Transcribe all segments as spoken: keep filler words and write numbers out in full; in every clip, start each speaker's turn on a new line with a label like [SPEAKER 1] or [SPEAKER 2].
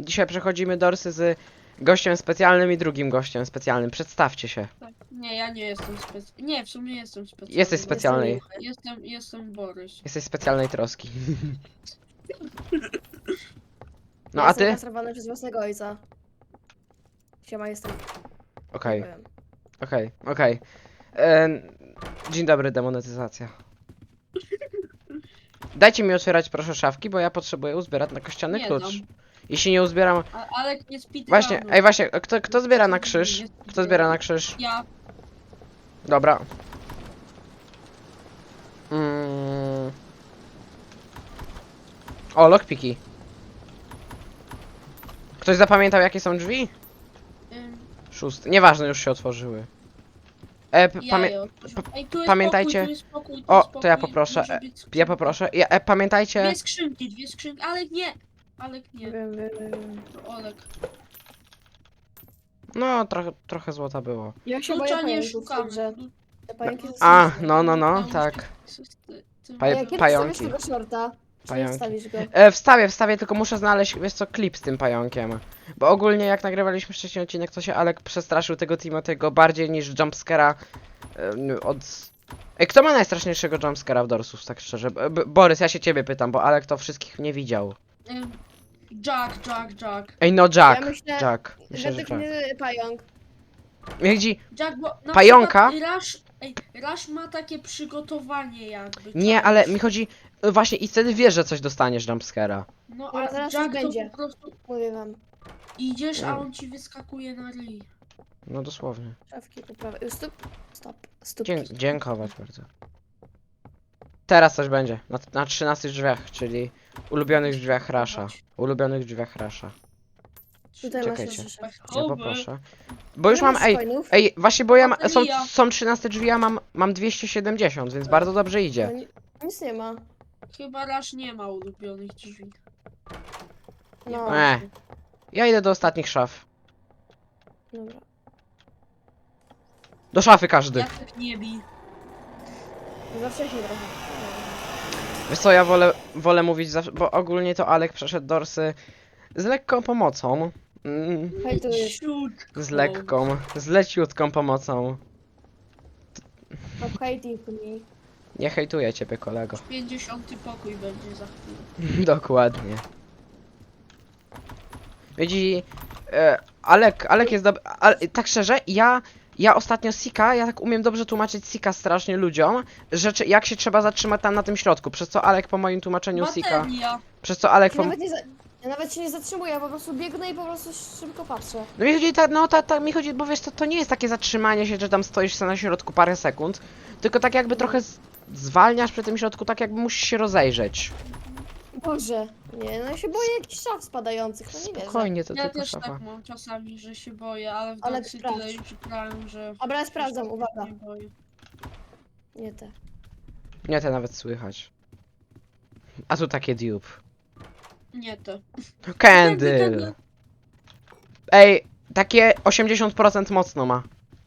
[SPEAKER 1] Dzisiaj przechodzimy dorsy z gościem specjalnym i drugim gościem specjalnym. Przedstawcie się.
[SPEAKER 2] Tak. Nie, ja nie jestem specjalny. Nie, w sumie jestem specjalny.
[SPEAKER 1] Jesteś specjalnej.
[SPEAKER 2] Jestem, jestem Borys.
[SPEAKER 1] Jesteś specjalnej troski. No
[SPEAKER 3] Ja
[SPEAKER 1] a
[SPEAKER 3] jestem
[SPEAKER 1] ty?
[SPEAKER 3] kastrowany przez własnego ojca. Siema, jestem.
[SPEAKER 1] Okej,
[SPEAKER 3] Nie wiem.
[SPEAKER 1] okej, okej. Em, Dzień dobry, demonetyzacja. Dajcie mi otwierać proszę szafki, bo ja potrzebuję uzbierać na kościany
[SPEAKER 2] Nie
[SPEAKER 1] klucz.
[SPEAKER 2] dam.
[SPEAKER 1] Jeśli nie uzbieram...
[SPEAKER 2] A, ale nie speedrunu.
[SPEAKER 1] Właśnie, ej właśnie, kto, kto zbiera na krzyż? Kto zbiera na krzyż?
[SPEAKER 2] Ja.
[SPEAKER 1] Dobra. Mm. O, lockpiki. Ktoś zapamiętał jakie są drzwi?
[SPEAKER 2] Ym,
[SPEAKER 1] Szósty. Nieważne, już się otworzyły. E, p-
[SPEAKER 2] ja
[SPEAKER 1] pamię
[SPEAKER 2] je otworzę. Ej, tu jest
[SPEAKER 1] pamiętajcie-
[SPEAKER 2] Pokój, tu jest pokój, tu
[SPEAKER 1] O,
[SPEAKER 2] jest
[SPEAKER 1] to ja
[SPEAKER 2] pokój,
[SPEAKER 1] poproszę,
[SPEAKER 2] może
[SPEAKER 1] e,
[SPEAKER 2] być
[SPEAKER 1] ja
[SPEAKER 2] skrzynka.
[SPEAKER 1] poproszę. Ja, e, pamiętajcie...
[SPEAKER 2] Dwie skrzynki, dwie skrzynki. Alek nie! Alek nie.
[SPEAKER 3] Wiem, wiem, wiem.
[SPEAKER 2] To Olek.
[SPEAKER 1] No, trochę, trochę złota było.
[SPEAKER 3] Ja się boję
[SPEAKER 2] Klucza nie
[SPEAKER 3] pająków,
[SPEAKER 2] szukamy.
[SPEAKER 3] że te pająki są
[SPEAKER 1] A,
[SPEAKER 3] straszne.
[SPEAKER 1] no, no, no,
[SPEAKER 2] Nauczkę
[SPEAKER 1] tak.
[SPEAKER 2] systy- ty-
[SPEAKER 1] Paj-
[SPEAKER 3] A kiedy
[SPEAKER 1] pająki.
[SPEAKER 3] wstawisz tego shorta? Czy nie
[SPEAKER 1] Pająki.
[SPEAKER 3] wstawisz go?
[SPEAKER 1] E, wstawię, wstawię, tylko muszę znaleźć, wiesz co, klip z tym pająkiem. Bo ogólnie jak nagrywaliśmy wcześniej odcinek, to się Alek przestraszył tego Timothy'ego bardziej niż jumpscare'a e, od... Ej, kto ma najstraszniejszego jumpscare'a w Dorsus, tak szczerze? B B Borys, ja się ciebie pytam, bo Alek to wszystkich nie widział.
[SPEAKER 2] Ym, Jack, Jack, Jack.
[SPEAKER 1] Ej, no Jack,
[SPEAKER 3] Ja myślę,
[SPEAKER 1] Jack. Myślę, że
[SPEAKER 3] Według
[SPEAKER 1] Jack.
[SPEAKER 3] mnie pająk.
[SPEAKER 1] Widzi,
[SPEAKER 2] Jack, bo na
[SPEAKER 1] Pająka?
[SPEAKER 2] przykład Rush, ej, Rush ma takie przygotowanie jakby.
[SPEAKER 1] nie,
[SPEAKER 2] czaisz?
[SPEAKER 1] ale mi chodzi... e, Właśnie i wtedy wiesz, że coś dostaniesz jumpscare'a.
[SPEAKER 2] No
[SPEAKER 3] No,
[SPEAKER 2] a
[SPEAKER 3] zaraz
[SPEAKER 2] Jack
[SPEAKER 3] już
[SPEAKER 2] to
[SPEAKER 3] będzie.
[SPEAKER 2] po prostu
[SPEAKER 3] Mówię wam.
[SPEAKER 2] idziesz, a
[SPEAKER 1] Mm.
[SPEAKER 2] on ci wyskakuje na ryj.
[SPEAKER 1] No dosłownie.
[SPEAKER 3] Szafki po prawej. Stop. Stop. Stop.
[SPEAKER 1] Dzie dziękować bardzo. Teraz coś będzie. Na, na trzynastych drzwiach, czyli ulubionych drzwiach Rasha. Ulubionych drzwiach Rasha.
[SPEAKER 3] Tutaj
[SPEAKER 1] Czekajcie.
[SPEAKER 3] masz nasze
[SPEAKER 1] Ja poproszę. Bo już mam,
[SPEAKER 3] Masz
[SPEAKER 1] ej,
[SPEAKER 3] coinów?
[SPEAKER 1] ej, właśnie bo ja ma, są,
[SPEAKER 2] Bateria.
[SPEAKER 1] są trzynaste drzwi, ja mam, mam dwieście siedemdziesiąt, więc bardzo dobrze
[SPEAKER 3] No,
[SPEAKER 1] idzie.
[SPEAKER 3] ni- nic nie ma.
[SPEAKER 2] Chyba Rush nie ma ulubionych drzwi.
[SPEAKER 3] No.
[SPEAKER 1] E. Ja idę do ostatnich szaf.
[SPEAKER 3] Dobra.
[SPEAKER 1] Do szafy każdy.
[SPEAKER 2] Ja tak nie bij.
[SPEAKER 3] Za wcześnie trochę.
[SPEAKER 1] Wiesz co, ja wolę, wolę mówić zawsze, bo ogólnie to Alek przeszedł dorsy z lekką pomocą. Mm,
[SPEAKER 3] Hej, tu jest.
[SPEAKER 2] Ciutko.
[SPEAKER 1] z lekką, z leciutką pomocą.
[SPEAKER 3] Stop hating me.
[SPEAKER 1] Nie hejtuję ciebie, kolego.
[SPEAKER 2] pięćdziesiąty pokój będzie za chwilę.
[SPEAKER 1] Dokładnie. Widzi, e, Alek, Alek jest dobry, ale tak szczerze, ja, ja ostatnio Sika, ja tak umiem dobrze tłumaczyć Sika strasznie ludziom, że czy- jak się trzeba zatrzymać tam na tym środku, przez co Alek po moim tłumaczeniu Sika,
[SPEAKER 2] Bateria.
[SPEAKER 1] przez co Alek
[SPEAKER 3] Ja
[SPEAKER 1] po...
[SPEAKER 3] nawet, nie za... ja nawet się nie zatrzymuję, ja po prostu biegnę i po prostu szybko patrzę.
[SPEAKER 1] No mi chodzi, ta, no ta, ta, mi chodzi, bo wiesz, to, to nie jest takie zatrzymanie się, że tam stoisz sobie na środku parę sekund, tylko tak jakby trochę z, zwalniasz przy tym środku, tak jakby musisz się rozejrzeć.
[SPEAKER 3] Boże. Nie, no ja się boję jakichś szaf spadających, no nie wierzę.
[SPEAKER 1] Spokojnie, to
[SPEAKER 2] Ja
[SPEAKER 1] tylko
[SPEAKER 2] też
[SPEAKER 1] szafa.
[SPEAKER 2] tak mam czasami, że się boję, ale w
[SPEAKER 3] Ale
[SPEAKER 2] Doxy
[SPEAKER 3] sprawdź.
[SPEAKER 2] tyle już grałem, że...
[SPEAKER 3] Dobra, ja sprawdzam,
[SPEAKER 2] się
[SPEAKER 3] uwaga.
[SPEAKER 2] Nie boję.
[SPEAKER 3] Nie te.
[SPEAKER 1] Nie, te nawet słychać. A tu takie dupe.
[SPEAKER 2] Nie to.
[SPEAKER 1] Candle! Ej, takie osiemdziesiąt procent mocno ma.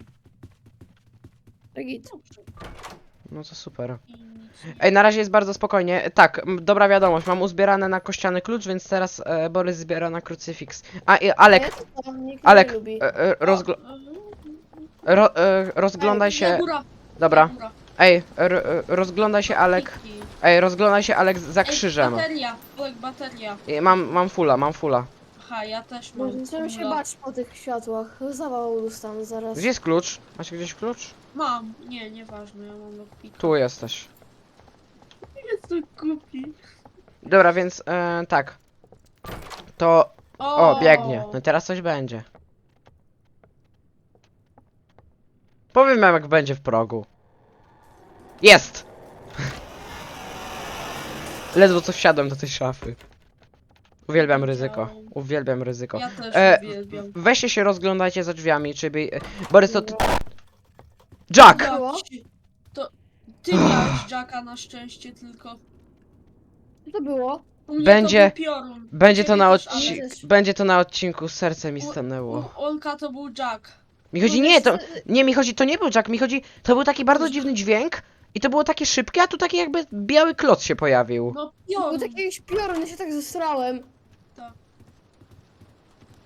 [SPEAKER 3] Git.
[SPEAKER 1] No to super.
[SPEAKER 2] I nic nie-
[SPEAKER 1] Ej, na razie jest bardzo spokojnie. Tak, m, dobra wiadomość, mam uzbierane na kościany klucz, więc teraz e, Borys zbiera na krucyfiks. A, i Alek,
[SPEAKER 3] A ja to co? Nikt
[SPEAKER 1] Alek,
[SPEAKER 3] nie lubi.
[SPEAKER 1] e, e, rozgl
[SPEAKER 2] O,
[SPEAKER 1] ro e, rozglądaj
[SPEAKER 2] Nie,
[SPEAKER 1] się...
[SPEAKER 2] góra,
[SPEAKER 1] Dobra,
[SPEAKER 2] góra.
[SPEAKER 1] ej, r e, rozglądaj się Alek,
[SPEAKER 2] Kiki.
[SPEAKER 1] ej, rozglądaj się Alek za
[SPEAKER 2] Ej,
[SPEAKER 1] krzyżem.
[SPEAKER 2] bateria, Olek, bateria.
[SPEAKER 1] I mam, mam fula, mam fula.
[SPEAKER 2] Aha, ja też mam.
[SPEAKER 3] Boże, Zacząłem się
[SPEAKER 2] kula.
[SPEAKER 3] bać po tych światłach. Zawał dostanę zaraz.
[SPEAKER 1] Gdzie jest klucz? Macie gdzieś klucz?
[SPEAKER 2] Mam, nie, nieważne, ja mam lockpick.
[SPEAKER 1] Tu jesteś.
[SPEAKER 2] Jestem głupi.
[SPEAKER 1] Dobra, więc e, tak. To... O, biegnie. No teraz coś będzie. Powiem wam jak będzie w progu. Jest! Ledwo co wsiadłem do tej szafy. Uwielbiam ryzyko. Uwielbiam ryzyko.
[SPEAKER 2] Ja też
[SPEAKER 1] E,
[SPEAKER 2] uwielbiam.
[SPEAKER 1] Weźcie się rozglądajcie za drzwiami, czy by... Borys to... ty- Jack!
[SPEAKER 2] Ja
[SPEAKER 3] Było?
[SPEAKER 2] ci- To ty miałeś Jacka na szczęście tylko.
[SPEAKER 3] Co to było?
[SPEAKER 2] U mnie
[SPEAKER 1] Będzie-
[SPEAKER 2] to był piorun. U
[SPEAKER 1] Będzie to
[SPEAKER 2] ciebie
[SPEAKER 1] na
[SPEAKER 2] też,
[SPEAKER 1] odcinku...
[SPEAKER 3] ale też.
[SPEAKER 1] Będzie to na odcinku, serce mi
[SPEAKER 2] U-
[SPEAKER 1] stanęło.
[SPEAKER 2] U Olka to był Jack.
[SPEAKER 1] Mi chodzi,
[SPEAKER 3] No
[SPEAKER 1] nie,
[SPEAKER 3] wiesz,
[SPEAKER 1] to...
[SPEAKER 3] że-
[SPEAKER 1] Nie, mi chodzi, to nie był Jack, mi chodzi... To był taki bardzo dziwny dźwięk i to było takie szybkie, a tu taki jakby biały kloc się pojawił.
[SPEAKER 2] No
[SPEAKER 3] To
[SPEAKER 2] piorun.
[SPEAKER 3] był taki jakiś piorun, ja się tak zesrałem.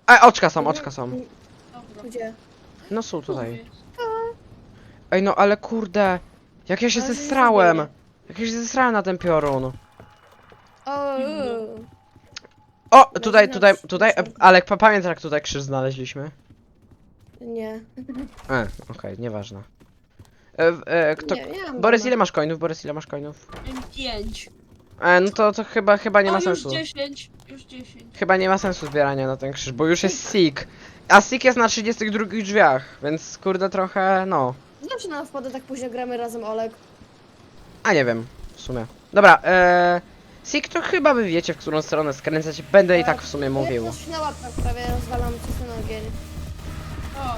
[SPEAKER 1] A, oczka są, oczka są.
[SPEAKER 2] Dobra.
[SPEAKER 3] Gdzie?
[SPEAKER 1] No są tutaj.
[SPEAKER 2] Mówię.
[SPEAKER 1] Ej, no ale kurde. Jak ja się
[SPEAKER 3] Ale że nie
[SPEAKER 1] zesrałem.
[SPEAKER 3] zrobię.
[SPEAKER 1] Jak ja się zesrałem na ten piorun.
[SPEAKER 3] O, uuu.
[SPEAKER 1] O,
[SPEAKER 3] No
[SPEAKER 1] tutaj,
[SPEAKER 3] znasz,
[SPEAKER 1] tutaj, tutaj,
[SPEAKER 3] znasz.
[SPEAKER 1] Alek, pa- pamiętasz jak tutaj krzyż znaleźliśmy?
[SPEAKER 3] Nie.
[SPEAKER 1] E, okej, nieważne. E, w- e, kto...
[SPEAKER 3] Nie, nie mam
[SPEAKER 1] Borys,
[SPEAKER 3] doma.
[SPEAKER 1] ile masz coinów? Borys, ile masz coinów?
[SPEAKER 2] M pięć.
[SPEAKER 1] E, no to, to chyba, chyba nie
[SPEAKER 2] o,
[SPEAKER 1] ma
[SPEAKER 2] już
[SPEAKER 1] sensu.
[SPEAKER 2] dziesięć. Już dziesięć.
[SPEAKER 1] Chyba nie ma sensu zbierania na ten krzyż, bo już jest Seek. A Seek jest na trzydziestych drugich drzwiach, więc kurde trochę, no.
[SPEAKER 3] Zawsze nam wpada tak późno gramy razem, Olek.
[SPEAKER 1] A nie wiem, w sumie. Dobra, e, Seek to chyba wy wiecie, w którą stronę skręcać. Będę i tak w sumie mówił.
[SPEAKER 3] Ja coś na łapkach prawie rozwalam przez ten ogień.
[SPEAKER 2] O,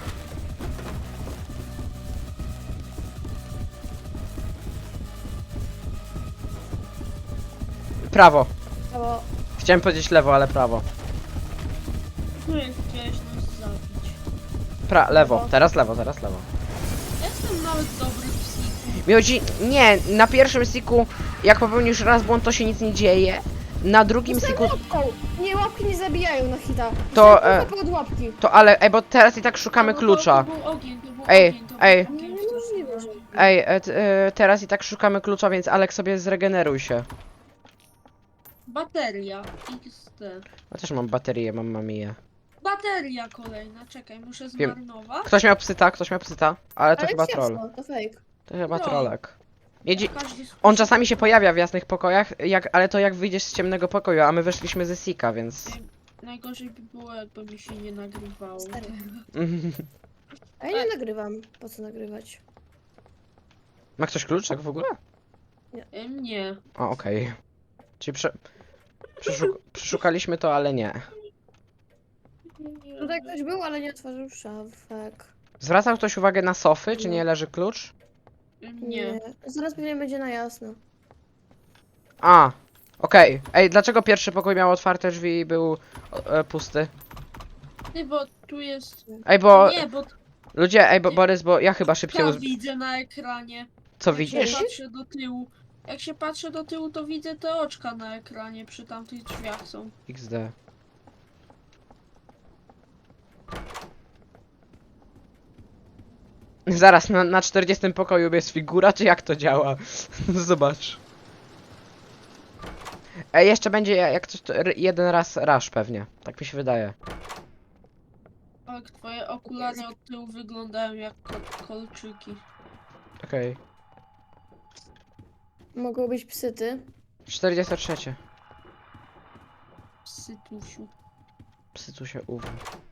[SPEAKER 1] Prawo.
[SPEAKER 3] Bo
[SPEAKER 1] Chciałem powiedzieć lewo, ale prawo.
[SPEAKER 2] tu chciałeś nas zabić.
[SPEAKER 1] Pra, lewo, teraz lewo, teraz lewo.
[SPEAKER 2] Jestem nawet dobry w psiku.
[SPEAKER 1] Mi chodzi, nie, na pierwszym Seeku, jak popełnisz raz błąd, to się nic nie dzieje. Na drugim Seeku,
[SPEAKER 3] łapką! Nie, łapki nie zabijają na hita.
[SPEAKER 1] To,
[SPEAKER 3] Dostałem
[SPEAKER 1] e,
[SPEAKER 3] kulkę pod łapki.
[SPEAKER 1] to ale, ej, bo teraz i tak szukamy
[SPEAKER 2] No,
[SPEAKER 1] klucza.
[SPEAKER 2] To, to był ogień, to był
[SPEAKER 1] Ej,
[SPEAKER 2] ogień, to
[SPEAKER 1] ej.
[SPEAKER 2] Był ogień,
[SPEAKER 3] Niemożliwe, że...
[SPEAKER 1] Ej, e, t, e, teraz i tak szukamy klucza, więc Alek sobie zregeneruj się.
[SPEAKER 2] Bateria. X D.
[SPEAKER 1] Ja też mam baterię, mam mamiję.
[SPEAKER 2] Bateria kolejna, czekaj, muszę
[SPEAKER 1] Wiem.
[SPEAKER 2] zmarnować.
[SPEAKER 1] Ktoś miał psyta, ktoś miał psyta, ale to
[SPEAKER 3] Ale
[SPEAKER 1] chyba
[SPEAKER 3] ciasno,
[SPEAKER 1] troll.
[SPEAKER 3] to fake.
[SPEAKER 1] To chyba
[SPEAKER 2] No.
[SPEAKER 1] trollek. Jedzi...
[SPEAKER 2] Każdy
[SPEAKER 1] On czasami się pojawia w jasnych pokojach, jak, ale to jak wyjdziesz z ciemnego pokoju, a my weszliśmy ze Sika, więc...
[SPEAKER 2] Najgorzej by było, jakby mi się nie nagrywało.
[SPEAKER 3] Stary. A ja nie nagrywam. Po co nagrywać?
[SPEAKER 1] Ma ktoś kluczek w ogóle?
[SPEAKER 2] Em, Nie.
[SPEAKER 1] A, okej. Czyli prze... Przeszuk... przeszukaliśmy to, ale nie.
[SPEAKER 3] Tutaj ktoś był, ale nie otworzył szafek.
[SPEAKER 1] Zwracał ktoś uwagę na sofy, czy nie leży klucz?
[SPEAKER 2] Em, Nie.
[SPEAKER 3] Zaraz pewnie będzie na jasno.
[SPEAKER 1] A, okej. Ej, dlaczego pierwszy pokój miał otwarte drzwi i był e, pusty?
[SPEAKER 2] Ty, bo tu jest...
[SPEAKER 1] Ej, bo...
[SPEAKER 2] Nie, bo
[SPEAKER 1] Ludzie, ej, bo Borys, bo ja chyba szybciej
[SPEAKER 2] ja
[SPEAKER 1] uz...
[SPEAKER 2] widzę na ekranie.
[SPEAKER 1] Co
[SPEAKER 2] Jak
[SPEAKER 1] widzisz?
[SPEAKER 2] się patrzę do tyłu. Jak się patrzę do tyłu, to widzę te oczka na ekranie przy tamtych drzwiach są.
[SPEAKER 1] iks de. Zaraz, na, na czterdziestym pokoju jest figura, czy jak to działa? Zobacz. Ej, jeszcze będzie jak coś, to r- jeden raz rush pewnie. Tak mi się wydaje.
[SPEAKER 2] Tak, twoje okulary od tyłu wyglądają jak ko- kolczyki.
[SPEAKER 1] Okej.
[SPEAKER 3] Mogą być psyty.
[SPEAKER 1] czterdzieste trzy.
[SPEAKER 2] Sytusiu.
[SPEAKER 1] Psy tu się uwu.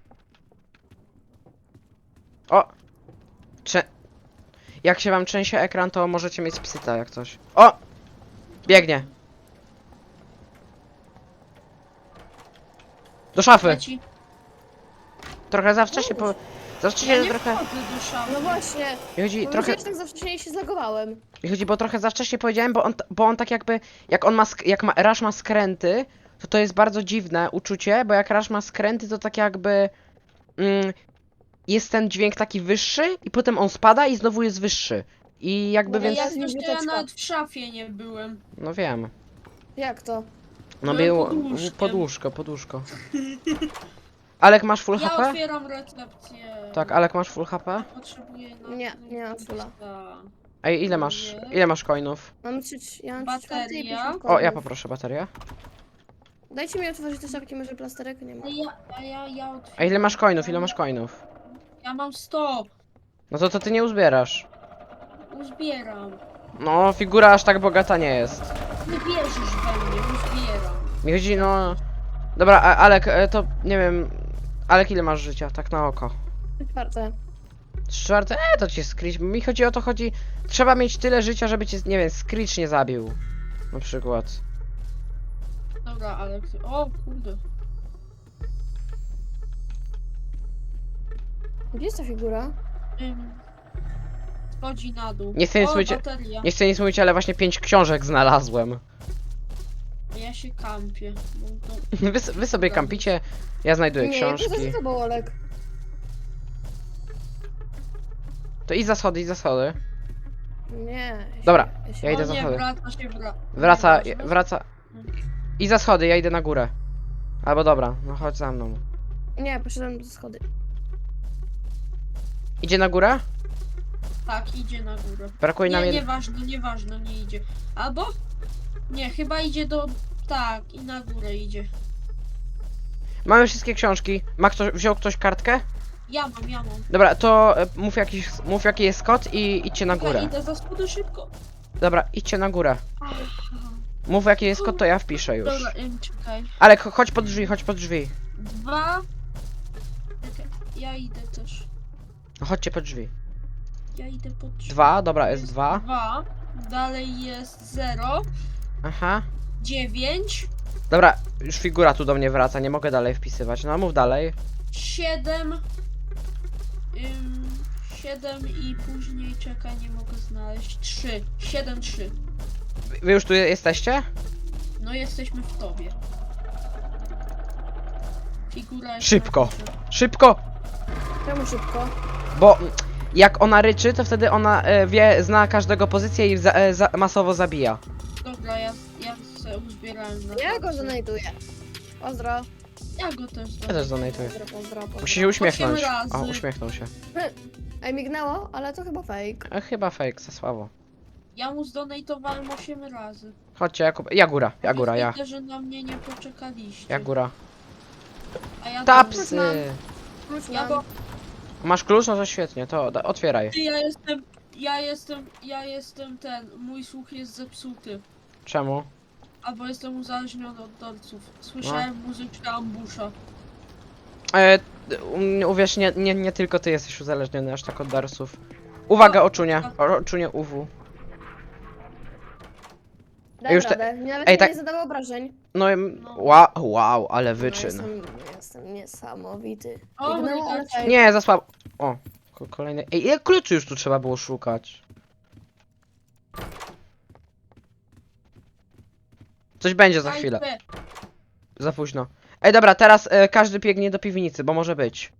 [SPEAKER 1] O! Cze... Jak się wam trzęsie ekran, to możecie mieć psyta jak coś. O! Biegnie. Do szafy.
[SPEAKER 2] Leci.
[SPEAKER 1] Trochę za wcześnie po... Za wcześnie
[SPEAKER 2] Ja nie
[SPEAKER 1] trochę...
[SPEAKER 2] wchodzę do szafy.
[SPEAKER 3] No właśnie.
[SPEAKER 1] Mi chodzi
[SPEAKER 3] Bo
[SPEAKER 1] trochę...
[SPEAKER 3] trochę... tak za wcześnie się zagowałem.
[SPEAKER 1] Mi chodzi, bo trochę za wcześnie powiedziałem, bo on, t- bo on tak jakby... Jak on ma... sk- Jak ma... Rush ma skręty, to to jest bardzo dziwne uczucie, bo jak Rush ma skręty, to tak jakby... Mm, jest ten dźwięk taki wyższy i potem on spada i znowu jest wyższy. I jakby
[SPEAKER 3] No
[SPEAKER 1] więc...
[SPEAKER 2] Ja
[SPEAKER 3] jest
[SPEAKER 2] też to ja
[SPEAKER 3] biblioteczka.
[SPEAKER 2] nawet w szafie nie byłem.
[SPEAKER 1] No wiem.
[SPEAKER 3] Jak to?
[SPEAKER 1] No
[SPEAKER 2] Byłem
[SPEAKER 1] było...
[SPEAKER 2] pod łóżkiem.
[SPEAKER 1] Pod łóżko, pod łóżko. Alek, masz full
[SPEAKER 2] Ja
[SPEAKER 1] H P?
[SPEAKER 2] otwieram recepcję.
[SPEAKER 1] Tak, Alek, masz full H P?
[SPEAKER 2] Potrzebuję na...
[SPEAKER 3] Nie, nie mam fulla.
[SPEAKER 1] Ej, ile masz?
[SPEAKER 2] Nie.
[SPEAKER 1] Ile masz coinów?
[SPEAKER 3] Mam trzy, ja mam trzy czwarte i
[SPEAKER 2] Bateria.
[SPEAKER 3] pięćdziesiąt
[SPEAKER 1] O, ja
[SPEAKER 3] kołów.
[SPEAKER 1] poproszę baterię.
[SPEAKER 3] Dajcie mi otworzyć te szafki, może plasterek nie ma.
[SPEAKER 2] A ja, a ja, ja otwieram.
[SPEAKER 1] A ile masz coinów? Ile masz coinów?
[SPEAKER 2] Ja mam sto.
[SPEAKER 1] No to to ty nie uzbierasz.
[SPEAKER 2] Uzbieram.
[SPEAKER 1] No, figura aż tak bogata nie jest.
[SPEAKER 2] Nie wierzysz we mnie, uzbieram.
[SPEAKER 1] Mi chodzi, no... Dobra, a, Alek, e, to nie wiem... Alek, ile masz życia? Tak na oko.
[SPEAKER 3] Czwarte.
[SPEAKER 1] Trzy czwarte? E, to cię Screech... Mi chodzi o to, chodzi... Trzeba mieć tyle życia, żeby cię, nie wiem, Screech nie zabił. Na przykład.
[SPEAKER 2] Dobra, ale... O kurde.
[SPEAKER 3] Gdzie jest ta figura?
[SPEAKER 2] Ym, Schodzi na dół.
[SPEAKER 1] Nie chcę nic
[SPEAKER 2] o,
[SPEAKER 1] mówić-
[SPEAKER 2] bateria.
[SPEAKER 1] Nie chcę nic mówić, ale właśnie pięć książek znalazłem.
[SPEAKER 2] Ja się kampię. No to...
[SPEAKER 1] Wy, s- wy sobie kampicie, ja znajduję
[SPEAKER 3] Nie,
[SPEAKER 1] książki.
[SPEAKER 3] poza tobą, Olek.
[SPEAKER 1] To idź za schody, idź za schody.
[SPEAKER 3] Nie. Ja się-
[SPEAKER 1] Dobra,
[SPEAKER 3] ja się...
[SPEAKER 1] ja idę
[SPEAKER 2] o
[SPEAKER 1] za
[SPEAKER 2] nie,
[SPEAKER 1] schody.
[SPEAKER 2] wraca się wra...
[SPEAKER 1] Wraca,
[SPEAKER 2] Nieważne.
[SPEAKER 1] wraca. I za schody, ja idę na górę. Albo dobra, no chodź za mną.
[SPEAKER 3] Nie, poszedłem do schody.
[SPEAKER 1] Idzie na górę?
[SPEAKER 2] Tak, idzie na górę.
[SPEAKER 1] Brakuje nam
[SPEAKER 2] Nie,
[SPEAKER 1] jed...
[SPEAKER 2] nieważne, nieważne, nie idzie. Albo? Nie, chyba idzie do... Tak, i na górę idzie.
[SPEAKER 1] Mamy wszystkie książki. Ma ktoś, wziął ktoś kartkę?
[SPEAKER 2] Ja mam, ja mam.
[SPEAKER 1] Dobra, to e, mów, jakiś, mów jaki jest kod i idźcie na
[SPEAKER 2] Ja
[SPEAKER 1] górę.
[SPEAKER 2] idę za spód szybko.
[SPEAKER 1] Dobra, idźcie na górę.
[SPEAKER 2] Aha.
[SPEAKER 1] Mów jaki jest kod, to ja wpiszę już.
[SPEAKER 2] Dobra, ym, czekaj.
[SPEAKER 1] Ale cho- chodź pod drzwi, chodź pod drzwi.
[SPEAKER 2] Dwa. Czekaj, ja idę też.
[SPEAKER 1] No chodźcie pod drzwi.
[SPEAKER 2] Ja idę pod drzwi.
[SPEAKER 1] Dwa, dobra, jest dwa.
[SPEAKER 2] Dwa. Dalej jest zero.
[SPEAKER 1] Aha.
[SPEAKER 2] Dziewięć.
[SPEAKER 1] Dobra, już figura tu do mnie wraca, nie mogę dalej wpisywać. No mów dalej.
[SPEAKER 2] Siedem. Ym, siedem i później czekaj, nie mogę znaleźć. Trzy. Siedem, trzy.
[SPEAKER 1] Wy- Wy już tu je- jesteście?
[SPEAKER 2] No jesteśmy w tobie. Figura jest
[SPEAKER 1] Szybko.
[SPEAKER 2] na górze.
[SPEAKER 1] Szybko!
[SPEAKER 3] Czemu szybko?
[SPEAKER 1] Bo mm, jak ona ryczy, to wtedy ona e, wie, zna każdego pozycję i za, e, za, masowo zabija.
[SPEAKER 2] Dobra, ja, ja se uzbierałem na
[SPEAKER 3] Ja go
[SPEAKER 2] tacy.
[SPEAKER 3] zanajduję. Pozdro.
[SPEAKER 2] Ja go też
[SPEAKER 1] Ja też donatuję.
[SPEAKER 3] Pozdro, pozdro, pozdro.
[SPEAKER 1] Musi się uśmiechnąć.
[SPEAKER 2] Osiem razy.
[SPEAKER 1] O, uśmiechnął się.
[SPEAKER 3] Ej, mignęło, ale to chyba fake.
[SPEAKER 1] E, chyba fake, za słabo.
[SPEAKER 2] Ja mu zdonatowałem osiem razy.
[SPEAKER 1] Chodźcie, Jakub. Ja góra, ja góra, ja.
[SPEAKER 2] Widzę, że na mnie nie poczekaliście.
[SPEAKER 1] Ja góra.
[SPEAKER 2] A ja
[SPEAKER 1] Tapsy!
[SPEAKER 3] mam. Klucz
[SPEAKER 2] Ja
[SPEAKER 3] mam.
[SPEAKER 2] go...
[SPEAKER 1] Masz klucz? No to świetnie, to da, otwieraj.
[SPEAKER 2] Ty, ja jestem... Ja jestem... Ja jestem ten... Mój słuch jest zepsuty.
[SPEAKER 1] Czemu?
[SPEAKER 2] Albo jestem uzależniony od dolców. Słyszałem
[SPEAKER 1] No.
[SPEAKER 2] muzyczkę ambusza.
[SPEAKER 1] E, u- uwierz, nie, nie, nie tylko ty jesteś uzależniony aż tak od darsów. Uwaga, oczunie. O, oczunie U W.
[SPEAKER 3] Dam
[SPEAKER 1] już te-
[SPEAKER 3] radę. Nawet
[SPEAKER 1] Ej,
[SPEAKER 3] mi
[SPEAKER 1] tak-
[SPEAKER 3] nie zadało obrażeń.
[SPEAKER 1] No, em,
[SPEAKER 2] No.
[SPEAKER 1] wow, wow, ale
[SPEAKER 3] No,
[SPEAKER 1] wyczyn.
[SPEAKER 3] jestem, jestem niesamowity.
[SPEAKER 2] O,
[SPEAKER 3] Mignęło, ale
[SPEAKER 2] widać.
[SPEAKER 3] fake.
[SPEAKER 1] Nie, za słabo. O, ko- kolejny. Ej, ile kluczy już tu trzeba było szukać? Coś będzie za chwilę.
[SPEAKER 2] Ajpe.
[SPEAKER 1] Za późno. Ej, dobra, teraz e, każdy biegnie do piwnicy, bo może być.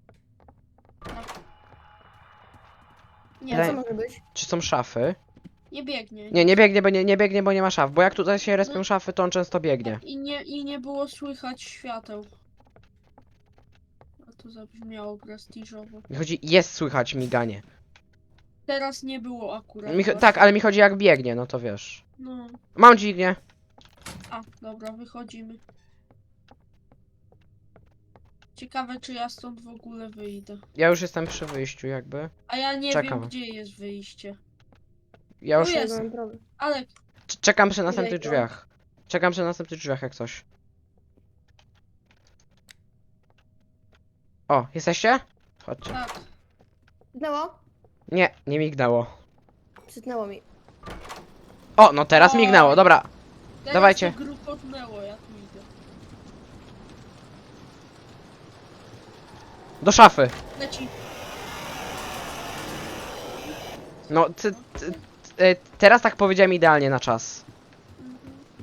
[SPEAKER 2] Nie,
[SPEAKER 3] Co
[SPEAKER 1] Daj-
[SPEAKER 3] może być?
[SPEAKER 1] Czy są szafy?
[SPEAKER 2] nie biegnie.
[SPEAKER 1] Nie, nie biegnie, bo nie, nie biegnie, bo nie ma szaf. Bo jak tutaj się respią szafy, to on często biegnie.
[SPEAKER 2] I nie, I nie było słychać świateł. A to zabrzmiało prestiżowo.
[SPEAKER 1] Mi chodzi, jest słychać miganie.
[SPEAKER 2] Teraz nie było akurat.
[SPEAKER 1] Mi, cho-
[SPEAKER 2] właśnie.
[SPEAKER 1] tak, ale mi chodzi jak biegnie, no to wiesz.
[SPEAKER 2] No.
[SPEAKER 1] Mam dźwignię.
[SPEAKER 2] A, dobra, wychodzimy. Ciekawe, czy ja stąd w ogóle wyjdę.
[SPEAKER 1] Ja już jestem przy wyjściu jakby.
[SPEAKER 2] A ja nie
[SPEAKER 1] Czekam.
[SPEAKER 2] wiem, gdzie jest wyjście.
[SPEAKER 1] Ja już
[SPEAKER 2] O, jest.
[SPEAKER 3] Mam problem.
[SPEAKER 2] Ale
[SPEAKER 1] c- czekam przy następnych
[SPEAKER 3] Jejku.
[SPEAKER 1] drzwiach. Czekam przy następnych drzwiach jak coś. O, jesteście? Chodźcie.
[SPEAKER 2] tak.
[SPEAKER 3] Mignęło?
[SPEAKER 1] Nie, nie mignęło.
[SPEAKER 3] Przytnęło mi.
[SPEAKER 1] O, no teraz
[SPEAKER 2] Oj.
[SPEAKER 1] mignęło, dobra.
[SPEAKER 2] Teraz
[SPEAKER 1] Dawajcie.
[SPEAKER 2] to grukotnęło, jak idę.
[SPEAKER 1] Do szafy.
[SPEAKER 2] Leci.
[SPEAKER 1] No, ty, ty, ty, e, teraz tak powiedziałem idealnie na czas.
[SPEAKER 2] Mhm.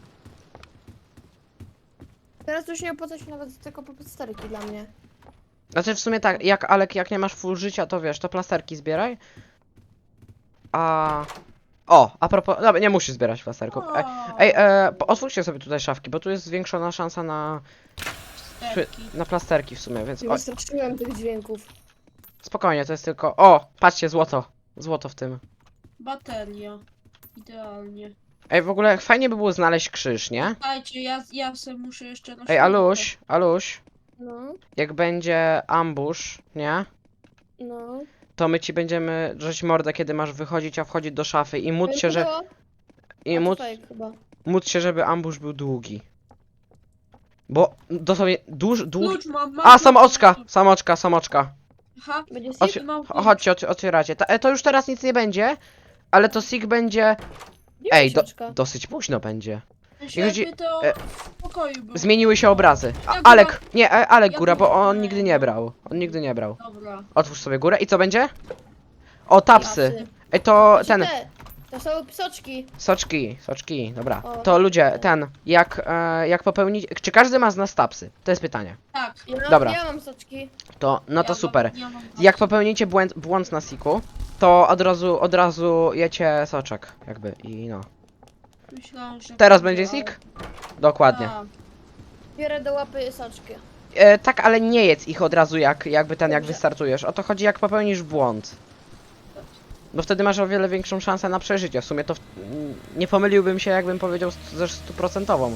[SPEAKER 3] Teraz już nie opłaca się nawet tylko po plasterki dla mnie.
[SPEAKER 1] Znaczy w sumie tak, jak Alek, jak nie masz full życia, to wiesz, to plasterki zbieraj. A... O, a propos, dobra, nie musisz zbierać plasterków. Ej, ej e, po- otwórzcie sobie tutaj szafki, bo tu jest zwiększona szansa na,
[SPEAKER 2] Sterki.
[SPEAKER 1] na plasterki w sumie, więc
[SPEAKER 3] Nie
[SPEAKER 1] o,
[SPEAKER 3] wystraszyłem tych dźwięków.
[SPEAKER 1] spokojnie, to jest tylko... O, patrzcie, złoto. Złoto w tym.
[SPEAKER 2] Bateria. Idealnie.
[SPEAKER 1] Ej, w ogóle fajnie by było znaleźć krzyż, nie?
[SPEAKER 2] Słuchajcie, ja, ja se muszę jeszcze na
[SPEAKER 1] Ej,
[SPEAKER 2] światło.
[SPEAKER 1] Aluś, Aluś,
[SPEAKER 3] No,
[SPEAKER 1] jak będzie ambush, nie?
[SPEAKER 3] no.
[SPEAKER 1] To my ci będziemy drzeć mordę, kiedy masz wychodzić, a wchodzić do szafy i móc się, że...
[SPEAKER 3] Mignęło?
[SPEAKER 1] I
[SPEAKER 3] A, to
[SPEAKER 1] móc,
[SPEAKER 3] fake chyba.
[SPEAKER 1] móc się, żeby ambush był długi. Bo dosłownie duż, długi...
[SPEAKER 2] Klucz mam, mam
[SPEAKER 1] A,
[SPEAKER 2] klucz,
[SPEAKER 1] samoczka,
[SPEAKER 2] mam klucz.
[SPEAKER 1] samoczka, samoczka.
[SPEAKER 2] Aha,
[SPEAKER 3] Będzie
[SPEAKER 1] Otw
[SPEAKER 3] sik?
[SPEAKER 2] mam klucz.
[SPEAKER 1] chodźcie, otw otwieracie. Ta, e, to już teraz nic nie będzie, ale to sig będzie... Ej, do,
[SPEAKER 3] Książka.
[SPEAKER 1] dosyć późno będzie.
[SPEAKER 2] Żeby
[SPEAKER 1] chodzi-
[SPEAKER 2] to
[SPEAKER 1] e,
[SPEAKER 2] w pokoju było.
[SPEAKER 1] Zmieniły się obrazy. A,
[SPEAKER 2] Ja
[SPEAKER 1] Alek, nie, e, Alek
[SPEAKER 2] ja
[SPEAKER 1] góra, bo
[SPEAKER 2] góra.
[SPEAKER 1] on nigdy nie brał. On nigdy nie brał.
[SPEAKER 2] Dobra.
[SPEAKER 1] Otwórz sobie górę i co będzie? O, tapsy.
[SPEAKER 3] Tapsy.
[SPEAKER 1] Ej, to
[SPEAKER 3] Gdzie
[SPEAKER 1] ten...
[SPEAKER 3] te? To są psoczki.
[SPEAKER 1] Soczki, soczki, dobra.
[SPEAKER 3] O.
[SPEAKER 1] To ludzie, ten, jak, e, jak popełnić... Czy każdy ma z nas tapsy? To jest pytanie.
[SPEAKER 2] Tak.
[SPEAKER 3] Ja,
[SPEAKER 1] Dobra.
[SPEAKER 3] Ja mam soczki.
[SPEAKER 1] To, no to
[SPEAKER 2] ja
[SPEAKER 1] super.
[SPEAKER 2] Mam, ja mam
[SPEAKER 1] Jak popełnicie błęd, błąd na siku, to od razu, od razu jecie soczek, jakby, i no.
[SPEAKER 2] Myślałem, że
[SPEAKER 1] Teraz
[SPEAKER 2] będzie,
[SPEAKER 1] będzie sik? Dokładnie.
[SPEAKER 2] ale-
[SPEAKER 3] Biorę do łapy soczki.
[SPEAKER 1] E, tak, ale nie jedz ich od razu jak, jakby ten, jak
[SPEAKER 3] Dobrze.
[SPEAKER 1] wystartujesz. O to chodzi jak popełnisz błąd. Bo wtedy masz o wiele większą szansę na przeżycie. W sumie to w... m, nie pomyliłbym się, jakbym powiedział st- ze stuprocentową.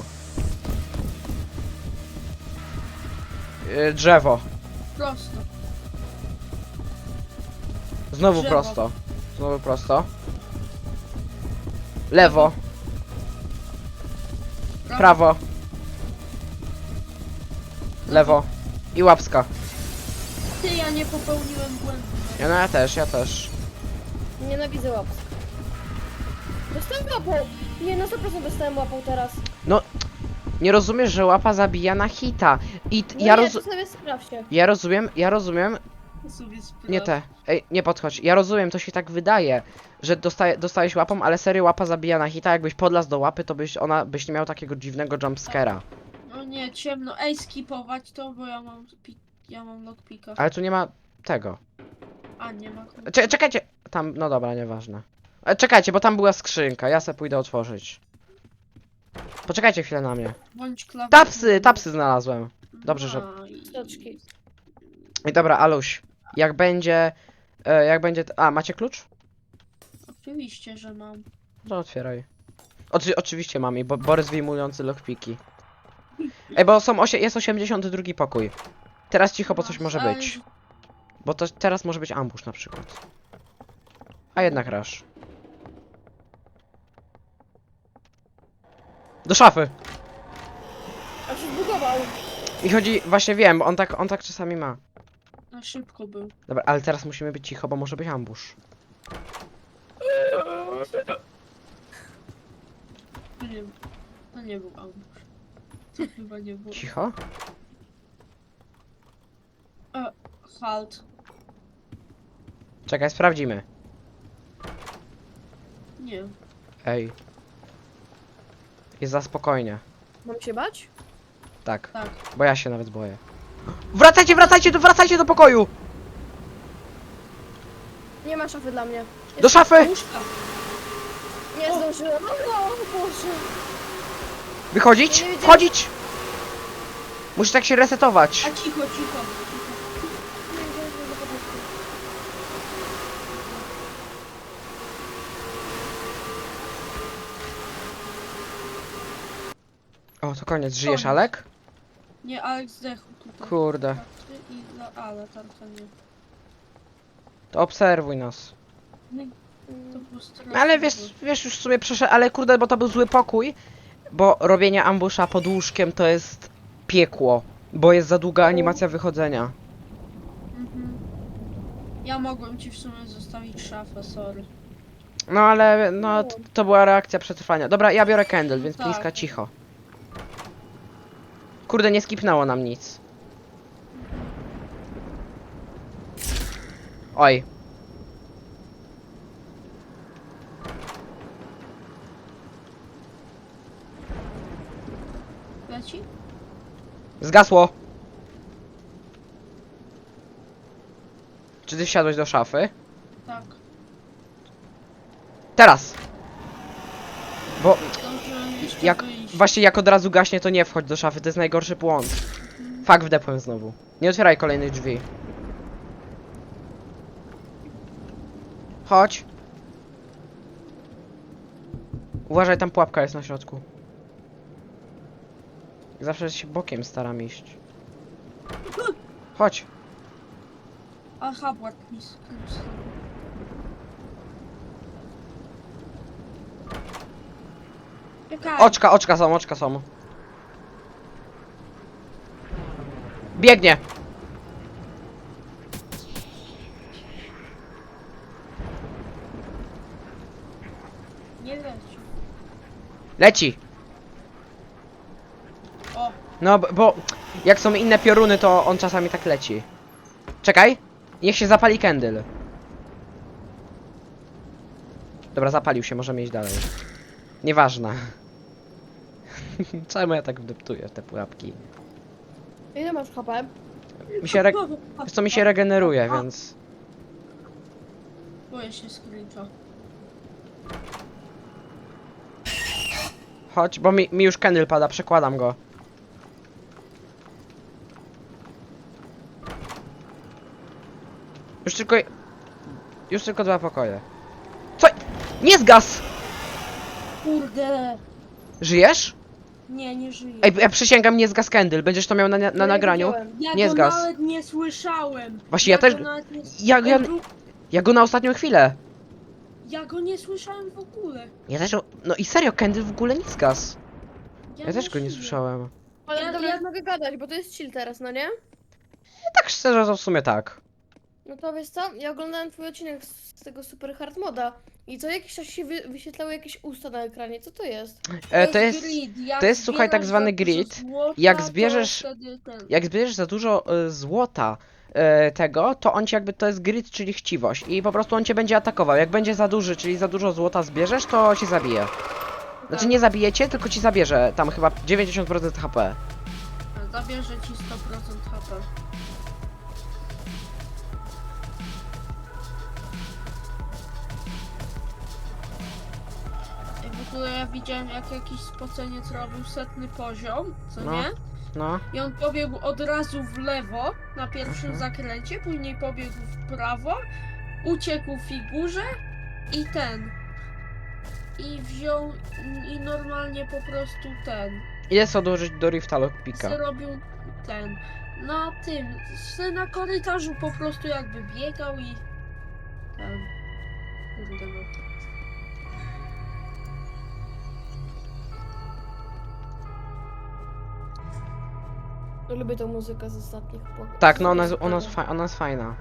[SPEAKER 1] E, drzewo.
[SPEAKER 2] Prosto.
[SPEAKER 1] Znowu
[SPEAKER 2] Drzewo.
[SPEAKER 1] prosto. Znowu prosto. Lewo. Prawo. Lewo. I łapska.
[SPEAKER 2] Ty, ja nie popełniłem błędu.
[SPEAKER 1] Ja, no ja też, ja też.
[SPEAKER 3] Nienawidzę łapsk. Dostałem łapą! Nie, na sto procent dostałem łapą teraz.
[SPEAKER 1] Nie rozumiesz, że łapa zabija na hita. I t-
[SPEAKER 3] No
[SPEAKER 1] ja,
[SPEAKER 3] nie,
[SPEAKER 1] rozu
[SPEAKER 3] to sobie sprawdź się.
[SPEAKER 1] ja rozumiem, ja rozumiem.
[SPEAKER 2] Sobie sprawdź.
[SPEAKER 1] Nie te. Ej, nie podchodź. Ja rozumiem, to się tak wydaje, że dostaje, dostałeś łapą, ale serio łapa zabija na hita. Jakbyś podlazł do łapy, to byś ona byś nie miał takiego dziwnego jumpscare'a.
[SPEAKER 2] No nie, ciemno. Ej, skipować to, bo ja mam pi ja mam lockpicka.
[SPEAKER 1] Ale tu nie ma tego.
[SPEAKER 2] A, nie ma.
[SPEAKER 1] Cze czekajcie. Tam, no dobra, nieważne. E, czekajcie, bo tam była skrzynka. Ja se pójdę otworzyć. Poczekajcie chwilę na mnie.
[SPEAKER 2] Bądź klawisz.
[SPEAKER 1] Tapsy, tapsy znalazłem. dobrze, że-
[SPEAKER 3] Stoczki.
[SPEAKER 1] I dobra, Aluś. Jak będzie... E, jak będzie... A, macie klucz?
[SPEAKER 2] Oczywiście, że mam.
[SPEAKER 1] No otwieraj. Oczy oczywiście mam i bo Borys wyjmujący lockpiki. Ej, bo są osie jest osiemdziesiąty drugi pokój. Teraz cicho, bo coś może
[SPEAKER 2] Ale-
[SPEAKER 1] być. Bo to teraz może być ambush na przykład. A jednak rasz. Do szafy!
[SPEAKER 3] A się zbugował.
[SPEAKER 1] I chodzi, właśnie wiem, on tak, on tak czasami ma.
[SPEAKER 2] Na szybko był.
[SPEAKER 1] Dobra, ale teraz musimy być cicho, bo może być ambush.
[SPEAKER 2] To nie, to nie był ambush. To chyba nie było.
[SPEAKER 1] Cicho?
[SPEAKER 2] Halt.
[SPEAKER 1] Czekaj, sprawdzimy.
[SPEAKER 2] Nie.
[SPEAKER 1] Ej. Jest za spokojnie.
[SPEAKER 3] Mam się bać?
[SPEAKER 1] Tak,
[SPEAKER 2] Tak.
[SPEAKER 1] bo ja się nawet boję. Wracajcie, wracajcie, do, wracajcie do pokoju!
[SPEAKER 3] Nie ma szafy dla mnie.
[SPEAKER 1] Do szafy!
[SPEAKER 2] Łóżka.
[SPEAKER 3] Nie zdążyłem. No, no, Boże.
[SPEAKER 1] Wychodzić?
[SPEAKER 3] Nie wiedziałem.
[SPEAKER 1] Wchodzić! Musisz tak się resetować.
[SPEAKER 2] A cicho, cicho. cicho.
[SPEAKER 3] Nie zdążyłem do początku.
[SPEAKER 1] O, to koniec. Żyjesz,
[SPEAKER 2] Koniec.
[SPEAKER 1] Alek?
[SPEAKER 2] Nie, Alex zdechł tutaj.
[SPEAKER 1] Kurde.
[SPEAKER 2] Tarczy I dla ale tarcza nie.
[SPEAKER 1] To obserwuj nas.
[SPEAKER 2] Nie, to
[SPEAKER 3] Mm.
[SPEAKER 2] było straszne.
[SPEAKER 1] No, ale wiesz, wiesz już w sumie przeszedł, ale kurde, bo to był zły pokój. Bo robienie ambusza pod łóżkiem to jest piekło. Bo jest za długa animacja wychodzenia.
[SPEAKER 2] Mhm. Ja mogłem ci w sumie zostawić szafę, sorry.
[SPEAKER 1] No ale, no, t- to była reakcja przetrwania. Dobra, ja biorę candle, więc
[SPEAKER 2] Tak.
[SPEAKER 1] bliska cicho. Kurde, nie skipnęło nam nic. Oj.
[SPEAKER 2] Leci?
[SPEAKER 1] Zgasło. Czy ty wsiadłeś do szafy?
[SPEAKER 2] Tak.
[SPEAKER 1] Teraz! Bo
[SPEAKER 2] Zdążyłem jeszcze
[SPEAKER 1] jak,
[SPEAKER 2] wyjść.
[SPEAKER 1] właśnie jak od razu gaśnie, to nie wchodź do szafy, to jest najgorszy błąd. Fak, wdepłem znowu. Nie otwieraj kolejnych drzwi. Chodź. Uważaj, tam pułapka jest na środku. Zawsze się bokiem staram iść. Chodź.
[SPEAKER 2] Aha, błat mi skrócił. Czekaj.
[SPEAKER 1] Oczka, oczka są, oczka są. Biegnie.
[SPEAKER 2] Nie leci.
[SPEAKER 1] Leci.
[SPEAKER 2] O,
[SPEAKER 1] No, b- bo jak są inne pioruny, to on czasami tak leci. Czekaj. Niech się zapali candle. Dobra, zapalił się, możemy iść dalej. Nieważne. Czemu ja tak wdeptuję w te pułapki?
[SPEAKER 3] Ile masz H P?
[SPEAKER 1] Mi się re... Wiesz co, mi się regeneruje, więc...
[SPEAKER 2] boję się screecha.
[SPEAKER 1] Chodź, bo mi, mi już candle pada, przekładam go. Już tylko... Już tylko dwa pokoje. Co? Nie zgas!
[SPEAKER 2] Kurde.
[SPEAKER 1] Żyjesz?
[SPEAKER 2] Nie, nie żyję.
[SPEAKER 1] Ej, ja przysięgam, nie zgas Kendall. Będziesz to miał na, na
[SPEAKER 3] No ja
[SPEAKER 1] nagraniu.
[SPEAKER 3] widziałem.
[SPEAKER 2] Ja
[SPEAKER 1] nie
[SPEAKER 2] go
[SPEAKER 1] zgas.
[SPEAKER 2] nawet nie słyszałem.
[SPEAKER 1] Właśnie ja też-
[SPEAKER 2] Go nawet nie...
[SPEAKER 1] Ja, ja,
[SPEAKER 2] Ej, dru-
[SPEAKER 1] ja go na ostatnią chwilę.
[SPEAKER 2] ja go nie słyszałem w ogóle.
[SPEAKER 1] Ja też... No i serio, Kendall w ogóle nie zgas. Ja też go nie
[SPEAKER 2] żyję.
[SPEAKER 1] słyszałem.
[SPEAKER 3] Ale
[SPEAKER 2] Ja-
[SPEAKER 3] dobra,
[SPEAKER 2] ja-
[SPEAKER 3] ja mogę gadać, bo to jest chill teraz, no nie?
[SPEAKER 1] Tak szczerze, to w sumie tak.
[SPEAKER 3] No to wiesz co? Ja oglądałem twój odcinek z, z tego super hard moda i co jakiś czas się wy, wyświetlały jakieś usta na ekranie. Co to jest?
[SPEAKER 1] E, to jest...
[SPEAKER 2] grid. Jak
[SPEAKER 1] to jest, słuchaj, tak
[SPEAKER 2] zbierasz
[SPEAKER 1] zwany
[SPEAKER 2] za dużo
[SPEAKER 1] grid.
[SPEAKER 2] złota,
[SPEAKER 1] Jak
[SPEAKER 2] to
[SPEAKER 1] zbierzesz-
[SPEAKER 2] wtedy ten-
[SPEAKER 1] Jak zbierzesz za dużo y, złota y, tego, to on ci jakby to jest grid, czyli chciwość. I po prostu on cię będzie atakował. Jak będzie za duży, czyli za dużo złota zbierzesz, to ci zabije. Znaczy
[SPEAKER 2] Tak.
[SPEAKER 1] nie zabije cię, tylko ci zabierze tam chyba dziewięćdziesiąt procent H P.
[SPEAKER 2] Zabierze ci sto procent H P. I w ogóle ja widziałem, jak jakiś spoceniec robił setny poziom, co
[SPEAKER 1] No.
[SPEAKER 2] nie?
[SPEAKER 1] No.
[SPEAKER 2] I on pobiegł od razu w lewo na pierwszym
[SPEAKER 1] Mhm.
[SPEAKER 2] zakręcie, później pobiegł w prawo, uciekł figurze i ten. I wziął i normalnie po prostu ten.
[SPEAKER 1] Ile co odłożyć do Rifta Lockpicka?
[SPEAKER 2] Zrobił ten. Na tym. se Na korytarzu po prostu jakby biegał i. Ten. Kurde no.
[SPEAKER 3] Lubię tą muzykę z ostatnich pok-
[SPEAKER 1] Tak, no
[SPEAKER 3] z
[SPEAKER 1] ona jest, ona, jest
[SPEAKER 3] ostatnich.
[SPEAKER 1] fa- ona jest fajna.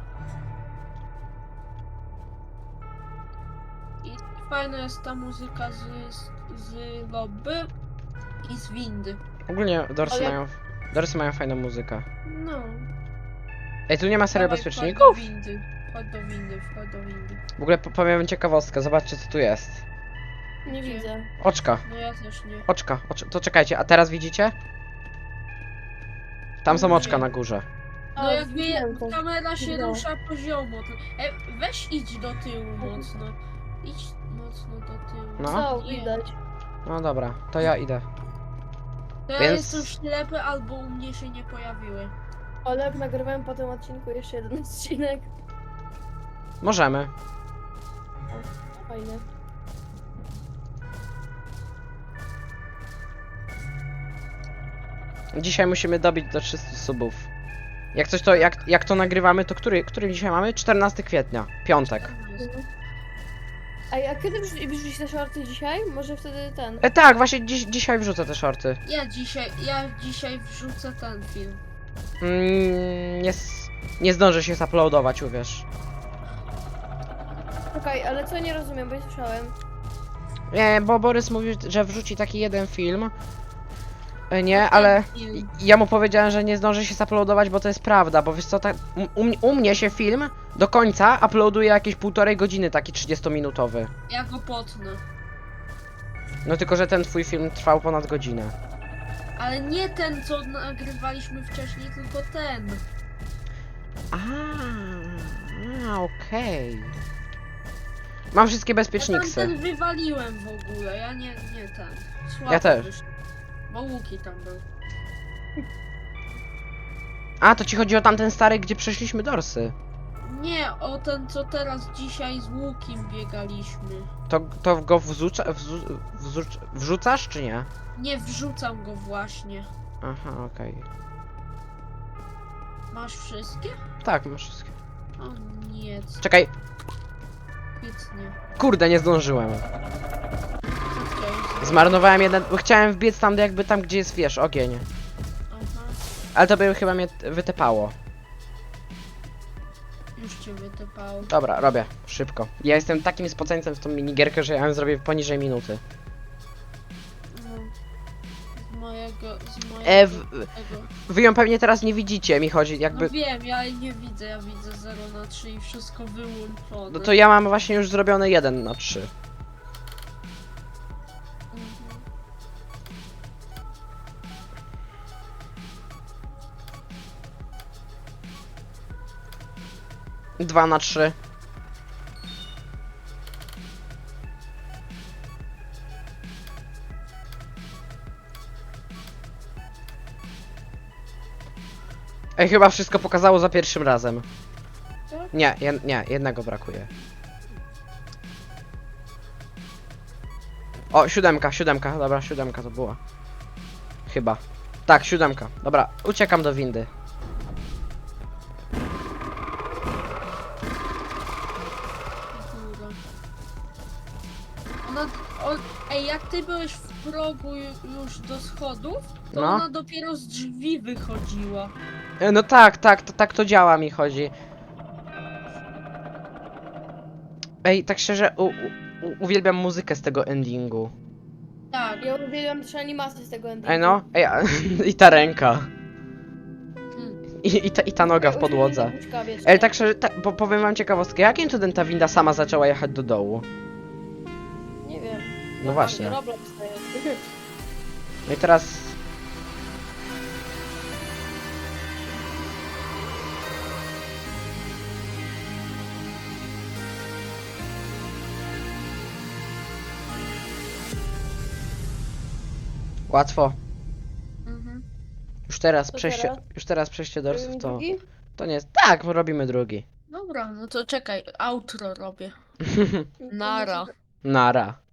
[SPEAKER 2] I fajna jest ta muzyka z, z, z lobby i z windy.
[SPEAKER 1] Ogólnie Dorsy
[SPEAKER 3] Ale-
[SPEAKER 1] mają... Dorsy mają fajną muzykę.
[SPEAKER 2] No.
[SPEAKER 1] Ej, tu nie ma serio
[SPEAKER 2] Dawaj,
[SPEAKER 1] bezpieczników?
[SPEAKER 2] Wchodź do windy. Wchodź do windy, wchodź do windy.
[SPEAKER 1] W ogóle po- powiem ciekawostkę, zobaczcie co tu jest.
[SPEAKER 3] Nie
[SPEAKER 2] Gdzie?
[SPEAKER 3] widzę.
[SPEAKER 1] Oczka,
[SPEAKER 2] No ja też nie.
[SPEAKER 1] oczka, ocz to czekajcie, a teraz widzicie? Tam są
[SPEAKER 2] Nie.
[SPEAKER 1] oczka na górze.
[SPEAKER 2] No
[SPEAKER 3] A,
[SPEAKER 2] jak mnie
[SPEAKER 3] widziałem to.
[SPEAKER 2] kamera się
[SPEAKER 3] Widziałem.
[SPEAKER 2] rusza poziomo, to... E, weź idź do tyłu mocno. Idź mocno do tyłu.
[SPEAKER 1] No.
[SPEAKER 3] Co,
[SPEAKER 2] Nie.
[SPEAKER 3] widać.
[SPEAKER 1] No dobra, to ja idę.
[SPEAKER 2] To ja
[SPEAKER 1] Więc-
[SPEAKER 2] jestem ślepy albo u mnie się nie pojawiły.
[SPEAKER 3] Ale jak nagrywałem po tym odcinku jeszcze jeden odcinek.
[SPEAKER 1] Możemy.
[SPEAKER 3] Fajnie.
[SPEAKER 1] Dzisiaj musimy dobić do trzystu subów. Jak coś to, jak, jak to nagrywamy, to który, który dzisiaj mamy? czternastego kwietnia, piątek.
[SPEAKER 3] Ej, a kiedy wrzu- wrzucisz te shorty dzisiaj? Może wtedy ten.
[SPEAKER 1] E, tak, właśnie dziś, dzisiaj wrzucę te shorty.
[SPEAKER 2] Ja dzisiaj, ja dzisiaj wrzucę ten film.
[SPEAKER 1] Mm, nie, s- nie zdążę się zaploadować, uwierz.
[SPEAKER 3] Czekaj, ale co nie rozumiem, bo nie słyszałem.
[SPEAKER 1] Nie, bo Borys mówił, że wrzuci taki jeden film. E, nie,
[SPEAKER 2] Ten
[SPEAKER 1] ale
[SPEAKER 2] film.
[SPEAKER 1] ja mu powiedziałem, że nie zdąży się zaploadować, bo to jest prawda, bo wiesz co, tak, u, u, mnie- u mnie się film do końca uploaduje jakieś półtorej godziny, taki trzydziestominutowy.
[SPEAKER 2] Ja go potnę.
[SPEAKER 1] No tylko, że ten twój film trwał ponad godzinę.
[SPEAKER 2] Ale nie ten, co nagrywaliśmy wcześniej, tylko ten.
[SPEAKER 1] A, a okej. Mam wszystkie
[SPEAKER 2] Ja
[SPEAKER 1] bezpieczniksy.
[SPEAKER 2] tamten wywaliłem w ogóle, ja nie, nie ten. Słabo
[SPEAKER 1] Ja też.
[SPEAKER 2] wyszło. Bo Łuki tam był.
[SPEAKER 1] A, to ci chodzi o tamten stary, gdzie przeszliśmy dorsy.
[SPEAKER 2] Nie, o ten, co teraz dzisiaj z Łukim biegaliśmy.
[SPEAKER 1] To, to go wrzuca, wrzu, wrzuc, wrzucasz, czy nie?
[SPEAKER 2] Nie wrzucam go właśnie.
[SPEAKER 1] Aha, okej.
[SPEAKER 2] Masz wszystkie?
[SPEAKER 1] Tak, masz wszystkie.
[SPEAKER 2] O nie, co
[SPEAKER 1] Czekaj,
[SPEAKER 2] świetnie.
[SPEAKER 1] kurde, nie zdążyłem.
[SPEAKER 2] Co chciałeś?
[SPEAKER 1] Zmarnowałem jeden, bo chciałem wbiec tam jakby tam, gdzie jest, wiesz, ogień.
[SPEAKER 2] Aha,
[SPEAKER 1] Ale to by chyba mnie t- wytepało.
[SPEAKER 2] już cię wytypało.
[SPEAKER 1] Dobra, robię, szybko. Ja jestem takim spoceńcem w tą minigierkę, że ja ją zrobię poniżej minuty.
[SPEAKER 2] No. Z mojego, z mojego
[SPEAKER 1] E, w,
[SPEAKER 2] tego.
[SPEAKER 1] wy ją pewnie teraz nie widzicie, mi chodzi,
[SPEAKER 2] No
[SPEAKER 1] jakby...
[SPEAKER 2] wiem, ja jej nie widzę, ja widzę zero na trzy i wszystko wyłączone.
[SPEAKER 1] No to ja mam właśnie już zrobione jeden na trzy.
[SPEAKER 2] Mhm.
[SPEAKER 1] dwa na trzy. Ej, chyba wszystko pokazało za pierwszym razem.
[SPEAKER 2] tak?
[SPEAKER 1] Nie, jed, nie, jednego brakuje. O, siódemka, siódemka, dobra, siódemka to była. Chyba. Tak, siódemka. Dobra, uciekam do windy.
[SPEAKER 2] Góra. Ona, o, ej, jak ty byłeś w progu ju- już do schodów, to
[SPEAKER 1] No.
[SPEAKER 2] ona dopiero z drzwi wychodziła.
[SPEAKER 1] E, No tak, tak, to, tak to działa, mi chodzi. Ej, tak szczerze, u, u, u, uwielbiam muzykę z tego endingu.
[SPEAKER 2] Tak.
[SPEAKER 3] Ja uwielbiam też animację z tego endingu.
[SPEAKER 1] Ej no, ej, a, i ta ręka.
[SPEAKER 2] Hmm.
[SPEAKER 1] I, i, ta, I ta noga w podłodze. Ej, tak szczerze, ta, po, powiem wam ciekawostkę, jakim cudem ta winda sama zaczęła jechać do dołu?
[SPEAKER 3] Nie wiem.
[SPEAKER 1] No właśnie.
[SPEAKER 3] Roblox to jest.
[SPEAKER 1] No i teraz... Łatwo.
[SPEAKER 2] Mhm.
[SPEAKER 1] Już teraz
[SPEAKER 3] Co
[SPEAKER 1] przejście,
[SPEAKER 3] teraz?
[SPEAKER 1] już teraz przejście dorsów to...
[SPEAKER 3] Drugi?
[SPEAKER 1] To nie jest... Tak, robimy drugi.
[SPEAKER 2] Dobra, no to czekaj, outro robię. Nara.
[SPEAKER 1] Nara.